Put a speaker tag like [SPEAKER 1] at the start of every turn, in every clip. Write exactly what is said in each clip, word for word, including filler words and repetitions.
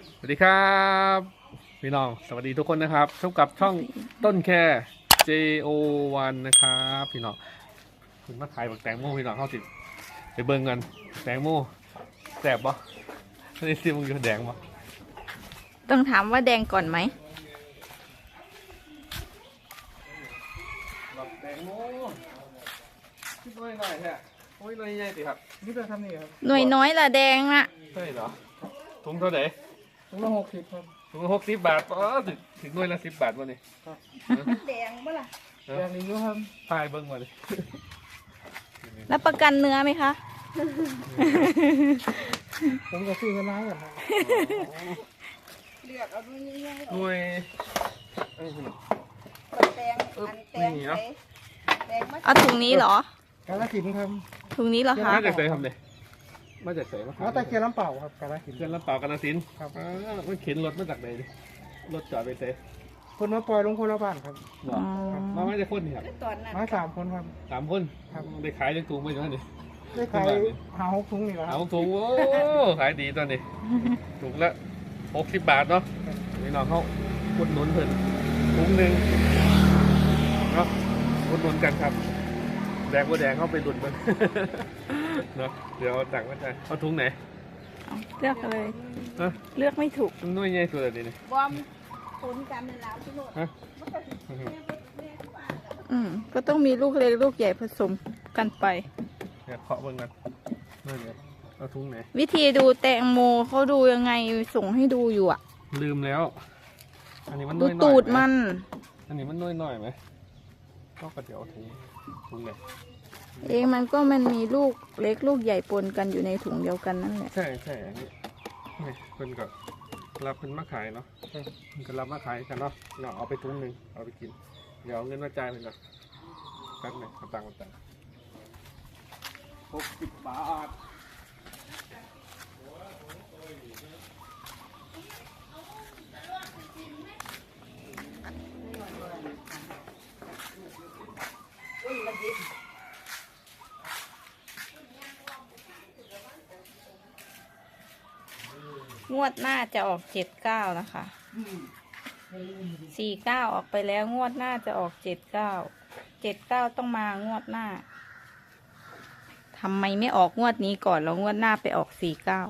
[SPEAKER 1] สวัสดีครับพี่น้องสวัสดีทุกคนนะครับพบกับช่องต้นแค่ เจ โอ วัน นะครับพี่น้องคุณมาขายบักแตงโมพี่น้องเข้าติดไปเบิ่งกันแตงโมแสบปะไม่ได้ซิมึงอยู่แดงปะ
[SPEAKER 2] ต้องถามว่าแดงก่อนไหม
[SPEAKER 1] บักแตงโมคิดน้อยหน่อยแท้โอ้ยน้อยใหญ่สิครับนี่จะทำนี่ครับ
[SPEAKER 2] หน่วยน้อยละแดงละ
[SPEAKER 1] ใช่เหรอถุงเท่าไหร่
[SPEAKER 3] ถุงละหกสิบครับ
[SPEAKER 1] ถุงละหกสิบบาทอ๋อถึงถึงหน่วยละสิบบาทวะนี่
[SPEAKER 2] แดงปะล่ะ
[SPEAKER 3] แดงนี้ด้วยครับ
[SPEAKER 1] พายเบิ่งมาเลย
[SPEAKER 2] แล้วประกันเนื้อไหมคะ
[SPEAKER 3] ผมจะซื้อกันร้านก่อนครับ
[SPEAKER 4] เลือกเอาด้วยง่าย
[SPEAKER 1] หน่วยเอ้ยพี่น้อง
[SPEAKER 4] ๆแบบแตงอันแตง
[SPEAKER 1] นี่
[SPEAKER 4] ไป
[SPEAKER 1] เนาะ
[SPEAKER 4] แตงมา
[SPEAKER 2] เอาถุงนี้เหรอ
[SPEAKER 3] กาลสินธุ์ครับ
[SPEAKER 2] ถุงนี้เหรอคะ
[SPEAKER 1] มาจากไหนครับเนี่ยมาจากไหนมา
[SPEAKER 3] เอาตะเกียบน้ำเปล่าครับกาลสินธุ์
[SPEAKER 1] เพื่อนรับเปล่ากาฬสินธุ์
[SPEAKER 3] ครับ
[SPEAKER 1] อ่ามันเข็นรถมาจากไหนดิรถจอดไปเตะ
[SPEAKER 3] คนมาปล่อยลงคนละบ้านครับ
[SPEAKER 1] หรอมาไม่ได้คนนี่ครับ
[SPEAKER 4] ตอนนั้น
[SPEAKER 3] มาสามคนครับ
[SPEAKER 1] สามคน
[SPEAKER 3] ครับ
[SPEAKER 1] ได้ขายได้ถุงไปอยู่นั่นนี่
[SPEAKER 3] ได้ขายหาหกถุงนี่แหละค
[SPEAKER 1] เอา
[SPEAKER 3] รับ
[SPEAKER 1] ถุงโอ้ขายดีตอนนี้ถุงละหกสิบบาทเนาะนี่น้องเขาอุดหนุนเพิ่นถุงหนึ่งเนาะอุดหนุนกันครับแดงว่าแดงเข้าไปหลุดมัน เนาะเดี๋ยวเอาตังค์มาจ่ายเอาถุงไหน
[SPEAKER 2] เอาเลือกเลย
[SPEAKER 1] ฮะ
[SPEAKER 2] เลือกไม่ถูก
[SPEAKER 1] นุ่ยใหญ่สุดเลยนี่
[SPEAKER 4] บอมคนกันเป็นลาวที่โน่น
[SPEAKER 1] ฮะ
[SPEAKER 2] อืมก็ต้องมีลูกเล็กลูกใหญ่ผสมกันไป
[SPEAKER 1] เนี่ยเคาะเบิ่งกันนั่นเนี่ยเอาถุงไหน
[SPEAKER 2] วิธีดูแตงโมเขาดูยังไงส่งให้ดูอยู่อ่ะ
[SPEAKER 1] ลืมแล้ว อันนี้มัน
[SPEAKER 2] ดู
[SPEAKER 1] น้อยๆ
[SPEAKER 2] ตูด
[SPEAKER 1] ไห
[SPEAKER 2] มัน
[SPEAKER 1] อันนี้มันน้อยหน่อยไหมก็กระเดี๋ยวเอาถุงถุงไหน
[SPEAKER 2] เองมันก็มันมีลูกเล็กลูกใหญ่ปนกันอยู่ในถุงเดียวกันนั่นแหละ
[SPEAKER 1] ใช่ใช่อันนี้นี่เพิ่นก็รับเพิ่นมาขายเนาะเพิ่นก็รับมาขายกันเนาะเนาะเอาไปถุงหนึ่งเอาไปกิน เดี๋ยวเอาเงินมาจ่ายเพิ่นก่อนแป๊บหนึงเอาตังค์มาจ่ายหกสิบบาท
[SPEAKER 2] งวดหน้าจะออกเจ็ดเก้านะคะสี่เก้าออกไปแล้วงวดหน้าจะออกเจ็ดเก้าเจ็ดเก้าต้องมางวดหน้าทำไมไม่ออกงวดนี้ก่อนแล้วงวดหน้าไปออกสี่เก้า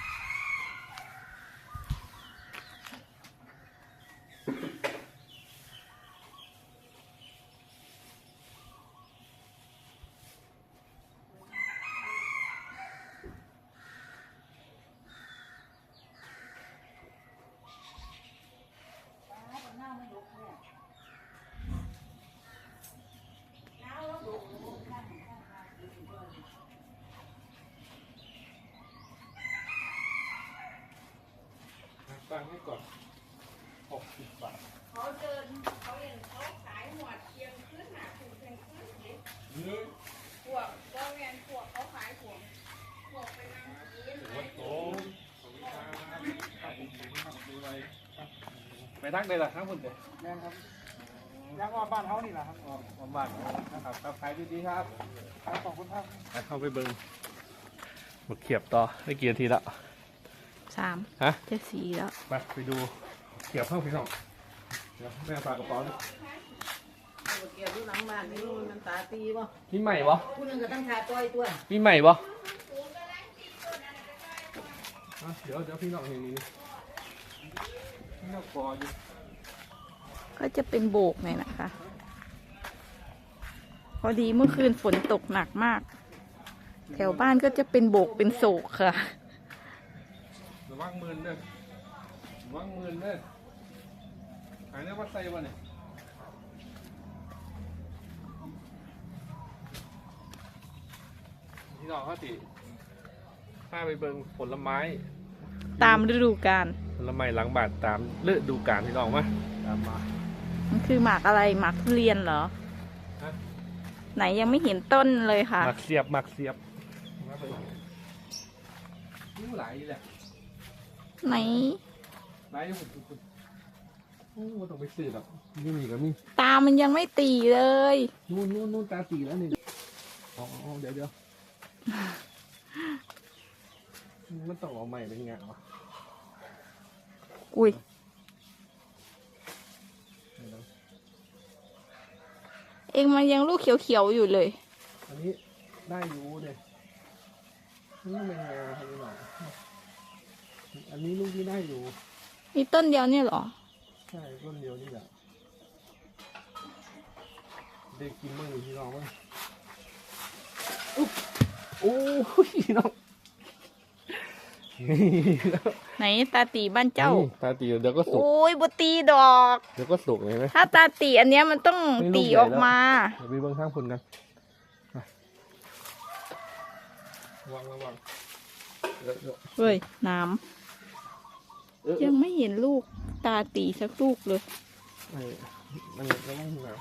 [SPEAKER 1] ตังค์ให้ก่อนหกสิบบาท
[SPEAKER 4] เขาเดินเขาเห็นเขาขายหมวดเคียงขึ้นหนาถูกเคียงขึ้นเลยพวกก็แมนพวกเขาขายพวกพวกไปนั่งกิน
[SPEAKER 1] วัดโตไปทักเลยล่ะทั้งคนเดียว
[SPEAKER 3] แม่นครับยังว่าบ้านเขานี่แหละครับ
[SPEAKER 1] ผมบ้านนะครับครับขายดีๆครับ
[SPEAKER 3] ขายของคุณภาพ
[SPEAKER 1] เข้าไปเบิ้งมาเขียบต่อได้กี่นาทีแล้ว
[SPEAKER 2] สาม
[SPEAKER 1] ฮะ
[SPEAKER 2] จะสี่แล้ว
[SPEAKER 1] ไปไปดูเขียบเข้าพี่น้องเดี๋ยวแม่ฝากกระเป๋าด้วย
[SPEAKER 4] เกี่ยวอยู่หลังบ้านนี่มันตาตีป่ะ
[SPEAKER 1] มีใหม่ปะ
[SPEAKER 4] ผู้นึงก็ตั้งชาต้อยตัว
[SPEAKER 1] มีใหม่ปะอ่ะเดี๋ยวเดี๋ยวพี่น้องเห็นนี่พี่น้องกออยู่
[SPEAKER 2] ก็จะเป็นโบกหน่อยนะคะ พอดีเมื่อคืนฝนตกหนักมาก แถวบ้านก็จะเป็นโบกเป็นโศกค่ะ
[SPEAKER 1] ระวังมือเด้อระวังมือเด้อหายเนื้อวัดไส้วะเนี่ยพี่น้องเขาติพาไปเบิ่งผลไม้
[SPEAKER 2] ตามฤดูกาล
[SPEAKER 1] ผลไม้หลังบาทตามฤดูกาลพี่น้องมาตามมา
[SPEAKER 2] มันคือหมากอะไรหมากทุเรียนเหรอ
[SPEAKER 1] ฮะ
[SPEAKER 2] ไหนยังไม่เห็นต้นเลยค่ะ
[SPEAKER 1] หมักเสียบหมักเสียบมาไปนี่หลายแหละ
[SPEAKER 2] ไหน
[SPEAKER 1] หลายอยู่ผมผมโอ้ต้องไปซื้อหรอกนี่มีก็มี
[SPEAKER 2] ตามันยังไม่ตีเลย
[SPEAKER 1] นู่นนู่นนู่นตาตีแล้วนี่อ๋อเดี๋ยวเดี๋ยวมันต้องเอาใหม่เป็นไงวะ
[SPEAKER 2] อุ้ยเองมันยังลูกเขียวๆอยู่เลย
[SPEAKER 1] อันนี้ได้อยู่เนี่ยนี่เป็นไงครับพี่น้องอันนี้ลูกที่ได้อยู่
[SPEAKER 2] มีต้นเดียวเนี่ยเหรอ
[SPEAKER 1] ใช่ต้นเดียวนี่แหละได้กินบ้างหรือพี่น้องบ้างอุ๊บโอ้ยพี่น้อง
[SPEAKER 2] ไหนตาตีบ้านเจ้า
[SPEAKER 1] ตาตีเดี๋ยวก็สุก
[SPEAKER 2] โอ้ยบตีดอก
[SPEAKER 1] เดี๋ยวก็สุกเลยไหม
[SPEAKER 2] ถ้าตาตีอันเนี้ยมันต้อง
[SPEAKER 1] ไม่ลูก
[SPEAKER 2] ตี
[SPEAKER 1] ใหญ่
[SPEAKER 2] ออกมา
[SPEAKER 1] เดี๋ยวไปเบิ้งข้างคนกันวางระวังเดี๋ยวเดี๋ยว
[SPEAKER 2] เฮ้ย น้
[SPEAKER 1] เออ
[SPEAKER 2] ำยังไม่เห็นลูกตาตีสักลูกเลย
[SPEAKER 1] เออมันระวังหัว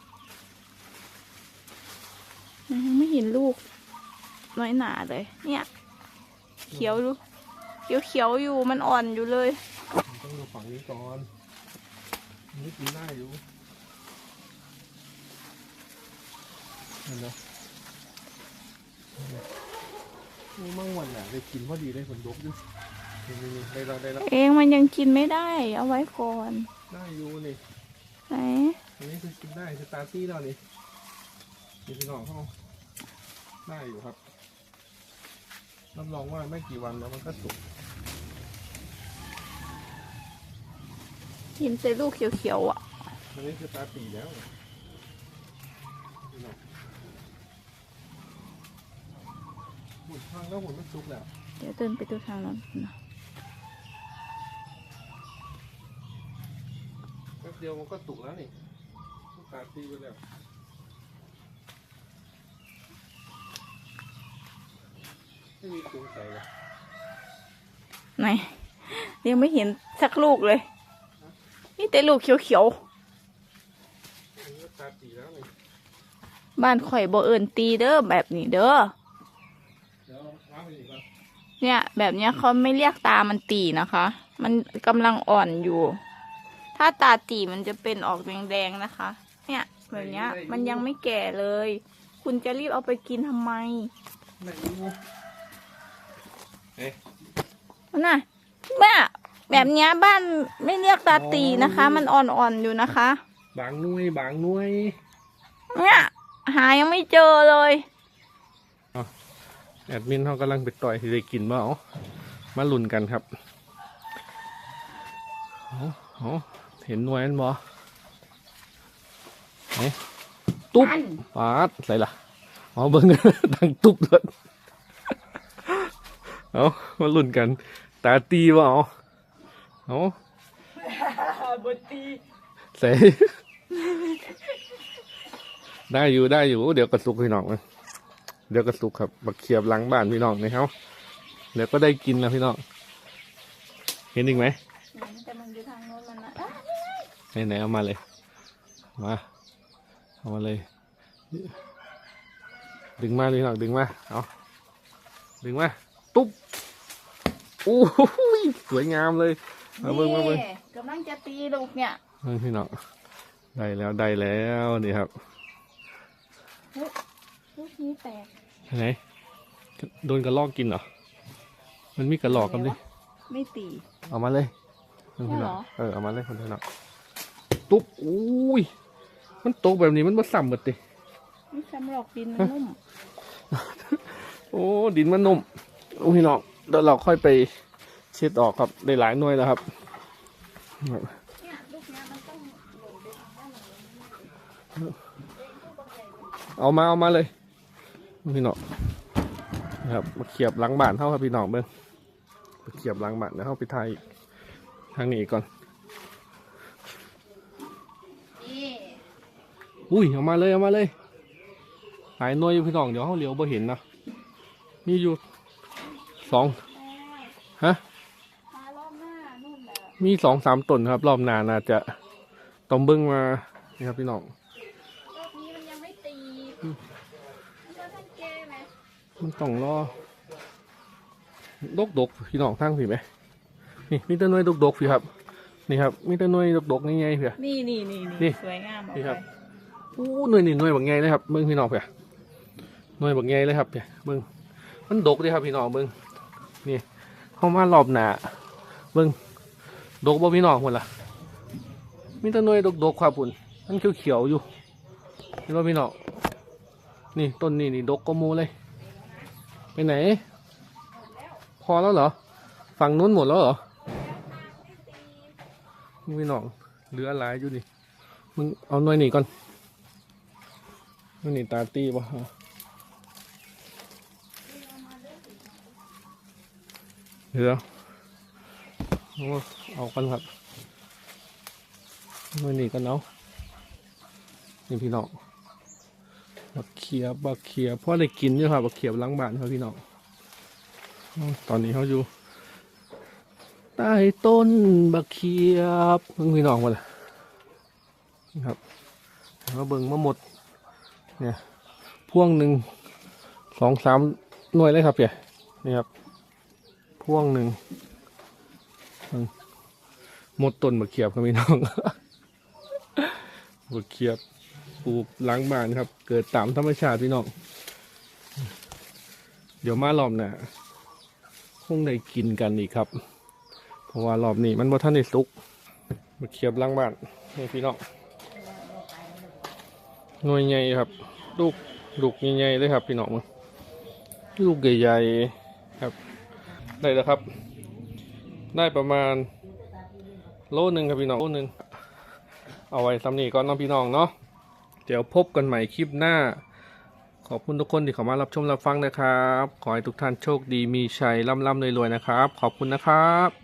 [SPEAKER 2] ยังไม่เห็นลูกน้อยหนาเลย เนี่ย เขียวดูเขียวเขียวๆอยู่มันอ่อนอยู่เลย
[SPEAKER 1] ต้องดูฝั่งนี้ก่อนนี่กินได้อยู่เห็นไหมนี่มั่งวันน่ะได้กินพอดีได้ผลดกอยู่นี่นี่นี่ได้แล้วได้แล้ว
[SPEAKER 2] เองมันยังกินไม่ได้ เอาไว้ก่อน
[SPEAKER 1] ได้อยู่นี่
[SPEAKER 2] ไหน
[SPEAKER 1] อันนี้คือกินได้สตาร์ตี้แล้วนี่นี่พี่น้องเขาได้อยู่ครับรับรองว่าไม่กี่วันแล้วมันก็สุก
[SPEAKER 2] กินแต่ลูกเขียวๆอ่ะ
[SPEAKER 1] อันนี้คือตาตีแล้วพี่น้องหุ่นพังแล้วหุ่นมันสุกแล้ว
[SPEAKER 2] เดี๋ยวเดินไปดูทางนั้นนะ
[SPEAKER 1] แป๊บเดียวมันก็สุกแล้วนี่ตาตีไปแล้วไม่มีตุงใส่เลย
[SPEAKER 2] ไหนยังไม่เห็นสักลูกเลย นี่แต่ลูกเขียว
[SPEAKER 1] อันนี้ตาตีแล้วนี่
[SPEAKER 2] ๆบ้านข่อยบ่เอิญตีเด้อแบบนี้เด้อ
[SPEAKER 1] เดี๋ยวล้างไปอีกแล้ว
[SPEAKER 2] เนี่ย แบบเนี้ยเขาไม่เรียกตามันตีนะคะ มันกำลังอ่อนอยู่ ถ้าตาตีมันจะเป็นออกแดงๆนะคะ เนี่ยแบบเนี้ยมันยังไม่แก่เลย คุณจะรีบเอาไปกินทำไม
[SPEAKER 1] ไหนดูเอ๊ะ
[SPEAKER 2] น่ะแม่แบบเนี้ยบ้านไม่เรียกตาตีนะคะ มันอ่อนๆอยู่นะคะ
[SPEAKER 1] บางหน่วยบางหน่วย
[SPEAKER 2] เนี่ยหายังไม่เจอเลย
[SPEAKER 1] แอดมินเขากำลังไปต่อยที่ได้กินบ่เอามาลุ้นกันครับเอาเอาเห็นหน่วยนั้นบ่เอ๊ะตุ๊บปาดใส่ละเอาเบิ้ง ดังตุ๊บเลยเอามาลุ้นกัน ตาตีบ่เอาเอา
[SPEAKER 2] บตี
[SPEAKER 1] ใส่ ได้อยู่ได้อยู่เดี๋ยวกระสุกพี่น้องนะเดี๋ยวกระสุกครับบักเขียบหลังบ้านพี่น้องนะครับเดี๋ยวก็ได้กินแล้วพี่น้องเห็นอีกไหม
[SPEAKER 2] แต่มันอยู่ทางโน้นมันนะ
[SPEAKER 1] ไหนไหนเอามาเลยมาเอามาเลย ดึงมาพี่น้องดึงมาเอาดึงมาตุ๊บโอ้ยสวยงามเลยมาเบิ้งมาเบิ้ง
[SPEAKER 2] นี่กำลังจะตีลูกเนี่ย
[SPEAKER 1] เบิ้งพี่น้องได้แล้วได้แล้วนี่ครับ
[SPEAKER 2] ลูกนี้แตก
[SPEAKER 1] ไหนโดนกระลอกกินเหรอมันมีกระลอกกันดิ
[SPEAKER 2] ไม่ตี
[SPEAKER 1] เอามาเลยเพิ่น
[SPEAKER 2] ใช่เหรอ
[SPEAKER 1] เออเอามาเลยคนเดียวนะตุ๊บอุ้ยมันตกแบบนี้มันมาซ้ำหมดดิ
[SPEAKER 2] ไม่ซ้ำหรอกดินมันนุ่ม
[SPEAKER 1] โอ้ดินมันนุ่มโอ้พี่น้องเดี๋ยวเราค่อยไปเช็ดออกครับได้หลายหน่วยแล้วครับ
[SPEAKER 2] เนี่ยลูกเนี้ยมันต้องหล่นไปทางด้านหลัง
[SPEAKER 1] เอามาเอามาเลยพี่น้องนะครับมาเขียบหลังบ้านเท่าครับพี่น้องเบิ้งมาเขียบหลังบ้านแล้วเข้าไปไทยทางนี้ก่อน
[SPEAKER 2] นี่
[SPEAKER 1] อุ้ยเอามาเลยเอามาเลยหลายหน่วยอยู่พี่น้องเดี๋ยวเขาเหลียวบ่เห็นนะมีอยู่สองฮะ
[SPEAKER 2] มารอบหน้านู่นแหละ
[SPEAKER 1] มีสองสามต้นครับ รอบหน้าน่าจะต้องเบิ้งมานี่ครับพี่น้อง
[SPEAKER 2] รอบนี้มันยังไม่ตีมันก็ท่านแก้ไหม
[SPEAKER 1] มันต้องรอดกดกๆพี่น้องทั้งสิไหมนี่มีแต่หน่วยดกดกๆพี่ครับนี่ครับมีแต่หน่วยดกดกๆง่ายๆเพี่ย
[SPEAKER 2] นี่นี่นี่
[SPEAKER 1] นี่
[SPEAKER 2] สวยงามออก
[SPEAKER 1] นี่
[SPEAKER 2] ไป
[SPEAKER 1] ครับ อู้หน่วยนี่หน่วยแบบไงเลยครับเบิ้งพี่น้องเพี่ยหน่วยแบบไงเลยครับเพี่ยเบิ้งมันดกเลยครับพี่น้องเบิ้งนี่เข้ามารอบหนาเบิ้งดกบ่พี่น้องคนละมีแต้นน้อยดกๆครับปุ่นมันเขียวๆอยู่เห็นว่าพี่น้องนี่ต้นนี้นี่ดกก็มูเลยไปไหนพอแล้วเหรอฝั่งนู้นหมดแล้วเหรอพี่น้องเหลือหลายอยู่ดิมึงเอาหน่อยนี่ก่อนหน่อยนี่ตาตีป่ะเดี๋ยวเอากันครับหน่อยนี่กันเอานี่พี่น้องบักเขียบบักเขียบพ่อได้กินอยู่ครับบักเขียบล้างบ้านครับพี่น้องตอนนี้เขาอยู่ใต้ต้นบักเขียบเพิ่งพี่น้องมาเลยครับเราเบิ่งมาหมดเนี่ยพ่วงหนึ่งสองสามหน่วยเลยครับเพี่ยนี่ครับพ่วงหนึ่งหมดต้นบักเขียบครับพี่น้องบักเขียบปลูกหลังบ้านครับเกิดตามธรรมชาติพี่น้องเดี๋ยวมารอบหน้าคงได้กินกันอีกครับเพราะว่ารอบนี้มันบ่ทันได้สุกบักเขียบหลังบ้านนี่พี่น้องหน่วยใหญ่ครับลูกลูกใหญ่ๆเลยครับพี่น้องลูกใหญ่ๆครับได้แล้วครับได้ประมาณโลหนึ่งครับพี่น้องโลหนึ่งเอาไว้ซ้ำนี้ก่อนน้องพี่น้องเนาะเดี๋ยวพบกันใหม่คลิปหน้าขอบคุณทุกคนที่เข้ามารับชมรับฟังนะครับขอให้ทุกท่านโชคดีมีชัยร่ำร่ำรวยๆนะครับขอบคุณนะครับ